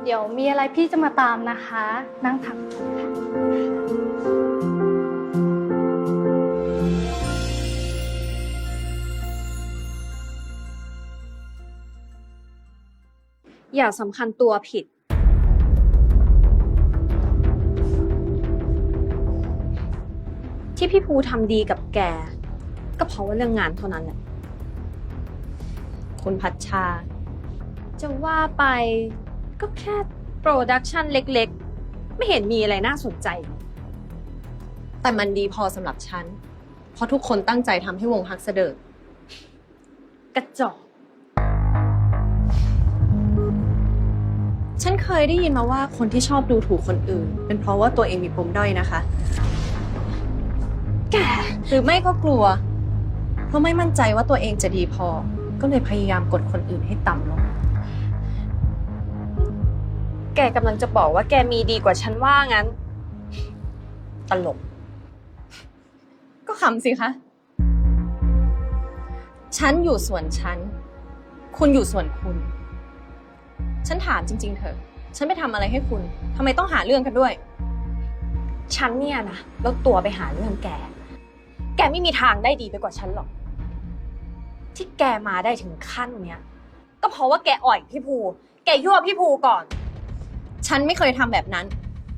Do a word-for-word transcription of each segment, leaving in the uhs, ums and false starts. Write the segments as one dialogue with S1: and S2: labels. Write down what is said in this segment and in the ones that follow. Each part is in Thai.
S1: เดี๋ยวมีอะไรพี่จะมาตามนะคะ นั่งพัก
S2: อย่าสำคัญตัวผิดที่พี่ภูทำดีกับแกก็เพราะว่าเรื่องงานเท่านั้นแหละคุณพัชชาจะว่าไปก็แค่โปรดักชันเล็กๆไม่เห็นมีอะไรน่าสนใจแต่มันดีพอสำหรับฉันเพราะทุกคนตั้งใจทำให้วงฮักเสดิร์ดกระจอกฉันเคยได้ยินมาว่าคนที่ชอบดูถูกคนอื่นเป็นเพราะว่าตัวเองมีปมด้อยนะคะแกหรือไม่ก็กลัวเพราะไม่มั่นใจว่าตัวเองจะดีพอก็เลยพยายามกดคนอื่นให้ต่ำลงแกกำลังจะบอกว่าแกมีดีกว่าฉันว่างั้นตลกก็ขำสิคะฉันอยู่ส่วนฉันคุณอยู่ส่วนคุณฉันถามจริงๆเถอะฉันไปทำอะไรให้คุณทำไมต้องหาเรื่องกันด้วยฉันเนี่ยนะแล้วตัวไปหาเรื่องแกแกไม่มีทางได้ดีไปกว่าฉันหรอกที่แกมาได้ถึงขั้นเนี้ยก็เพราะว่าแกอ่อยพี่ภูแกยั่วพี่ภูก่อนฉันไม่เคยทำแบบนั้น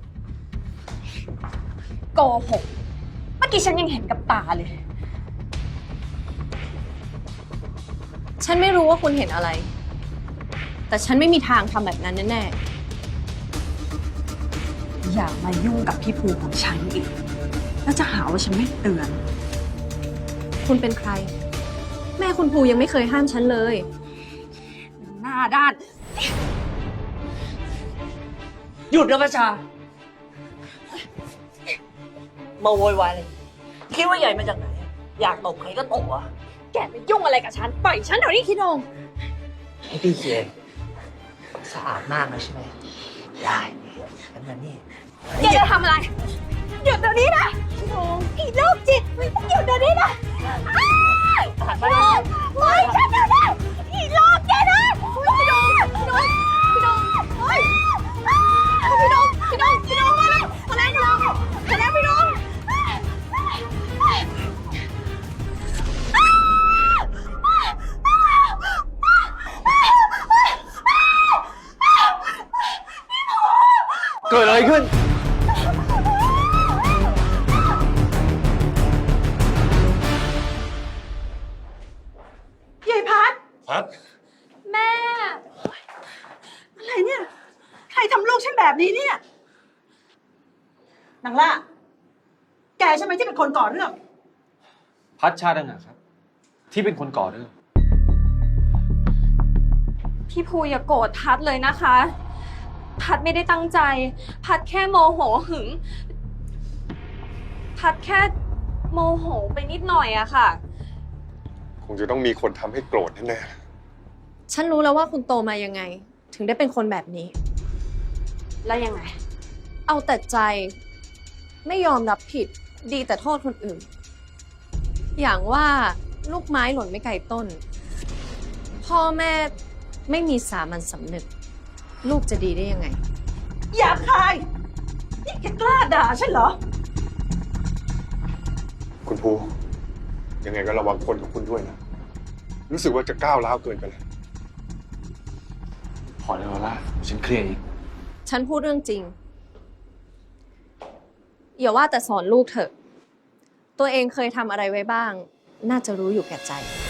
S2: โกหกเมื่อกี้ฉันยังเห็นกับตาเลยฉันไม่รู้ว่าคุณเห็นอะไรแต่ฉันไม่มีทางทำแบบนั้นแน่ๆอย่ามายุ่งกับพี่ภูของฉันอีกแล้วจะหาว่าฉันไม่เตือนคุณเป็นใครแม่คุณภูยังไม่เคยห้ามฉันเลยหน้าด้าน
S3: หยุดนะประชามาโวยวายเลยคิดว่าใหญ่มาจากไหนอยากตบใครก็ตบอ่ะ
S2: แกไปยุ่งอะไรกับฉันปล่อยฉันเดี๋ยวนี้คิดง
S3: ให้พี่เคียสะอาดมากนะใช่ไหมได้งั้นมานี่
S2: แกจะทำอะไรหยุดเดี๋ยวนี้นะอีโรคจิตหยุดเดี๋ยวนี้นะ
S3: หันมาดิ
S2: ปล่อยฉันเดี๋ยวนี้อีโรคจิตนะพี่ดงพี่ดงพี่ดงเฮ้ยพี่ดงพี่ดงพี่ดงมาแล้วมาแล้วพี่ดงมาแล้วพี่ดง
S4: เกิดอะไรขึ้น
S3: ยายพัด
S4: พัด
S2: แม่
S3: อะไรเนี่ยใครทำลูกฉันแบบนี้เนี่ยนางล่าแกใช่ไหมที่เป็นคนก่อเรื่อง
S4: พัดชาดังหากครับที่เป็นคนก่อเรื่อง
S2: พี่ภูอย่าโกรธพัดเลยนะคะพัดไม่ได้ตั้งใจ พัดแค่โมโหหึง พัดแค่โมโหไปนิดหน่อยอะค่ะ
S5: คงจะต้องมีคนทำให้โกรธแน่
S6: ๆฉันรู้แล้วว่าคุณโตมายังไงถึงได้เป็นคนแบบนี้
S2: แล้วยังไง
S6: เอาแต่ใจไม่ยอมรับผิดดีแต่โทษคนอื่นอย่างว่าลูกไม้หล่นไม่ไกลต้นพ่อแม่ไม่มีสามัญสำนึกลูกจะดีได้ยังไง
S3: หยาบคายนี่แกกล้าด่าฉันเหรอ
S5: คุณภูยังไงก็ระวังคนของคุณด้วยนะรู้สึกว่าจะก้าวร้าวเกินไปแล้ว
S4: พอแล้วล่ะฉันเคลียร์เอง
S6: ฉันพูดเรื่องจริงอย่าว่าแต่สอนลูกเถอะตัวเองเคยทำอะไรไว้บ้างน่าจะรู้อยู่แก่ใจ